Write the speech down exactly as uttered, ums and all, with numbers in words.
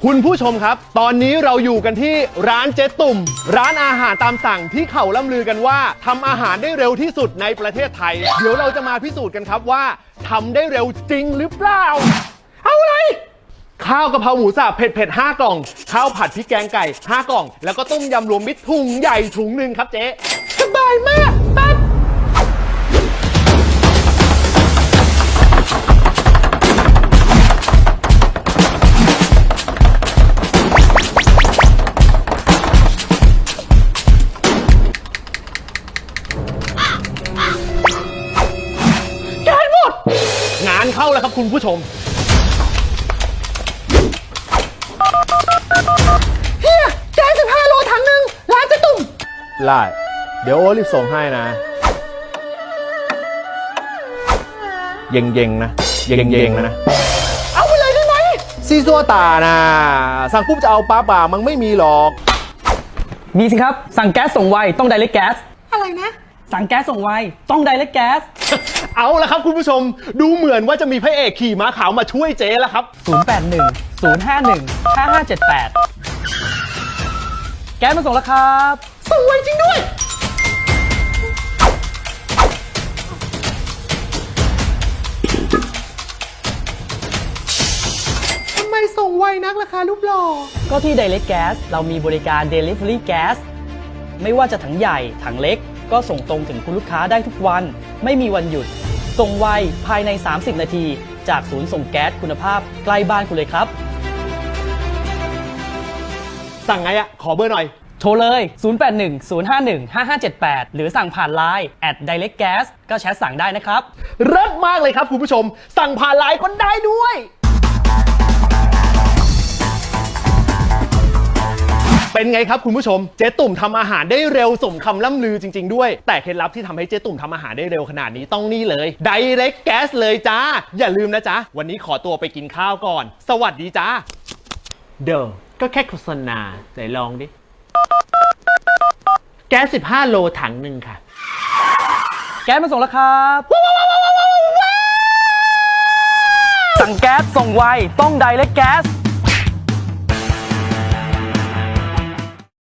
คุณผู้ชมครับตอนนี้เราอยู่กันที่ร้านเจ๊ตุ่มร้านอาหารตามสั่งที่เขาล่ำลือกันว่าทำอาหารได้เร็วที่สุดในประเทศไทยเดี๋ยวเราจะมาพิสูจน์กันครับว่าทำได้เร็วจริงหรือเปล่าเอาอะไรข้าวกะเพราหมูสับเผ็ดเผ็ดห้ากล่องข้าวผัดพริกแกงไก่ห้ากล่องแล้วก็ต้มยำรวมมิตรถุงใหญ่ถุงหนึ่งครับเจ๊สบายมากปั๊บงานเข้าแล้วครับคุณผู้ชมเฮียแกงสิบห้าโลถังหนึ่งร้านเจ๊ตุ่มได้เดี๋ยวโอ้รีบส่งให้นะเย็งเย็งนะเย็งเย็งนะเอาไปเลยได้ไหมซีซัวตานะสั่งปุ๊บจะเอาป้าป่ามันไม่มีหรอกมีสิครับสั่งแก๊สส่งไวต้อง Direct Gas อะไรนะสั่งแก๊สส่งไวต้อง Direct Gas เอาละครับคุณผู้ชมดูเหมือนว่าจะมีพระเอกขี่ม้าขาวมาช่วยเจ๊แล้วครับศูนย์ แปด หนึ่ง ศูนย์ ห้า หนึ่ง ห้า ห้า เจ็ด แปดแก๊สมาส่งแล้วครับส่งไวจริงด้วยทำไมส่งไวนักล่ะคะรูปหล่อก็ที่ Direct Gas เรามีบริการ Delivery Gas ไม่ว่าจะถังใหญ่ถังเล็กก็ส่งตรงถึงคุณลูกค้าได้ทุกวันไม่มีวันหยุดส่งไวภายในสามสิบนาทีจากศูนย์ส่งแก๊สคุณภาพใกล้บ้านคุณเลยครับสั่งไงอะขอเบอร์หน่อยโทรเลย ศูนย์ แปด หนึ่ง ศูนย์ ห้า หนึ่ง ห้า ห้า เจ็ด แปด หรือสั่งผ่าน ไลน์ แอท Direct Gas ก็แชทสั่งได้นะครับเลิศมากเลยครับคุณผู้ชมสั่งผ่านไลน์ก็ได้ด้วยเป็นไงครับคุณผู้ชมเจ๊ตุ่มทำอาหารได้เร็วสมคำล่ำลือจริงๆด้วยแต่เคล็ดลับที่ทำให้เจ๊ตุ่มทำอาหารได้เร็วขนาดนี้ต้องนี่เลย Direct Gas เลยจ้าอย่าลืมนะจ๊ะวันนี้ขอตัวไปกินข้าวก่อนสวัสดีจ้าเด้อก็แค่โฆษณาไหนลองดิแก๊สสิบห้าโลถังหนึ่งค่ะแก๊สมาส่งแล้วครับสั่งแก๊สส่งไวต้อง Direct Gas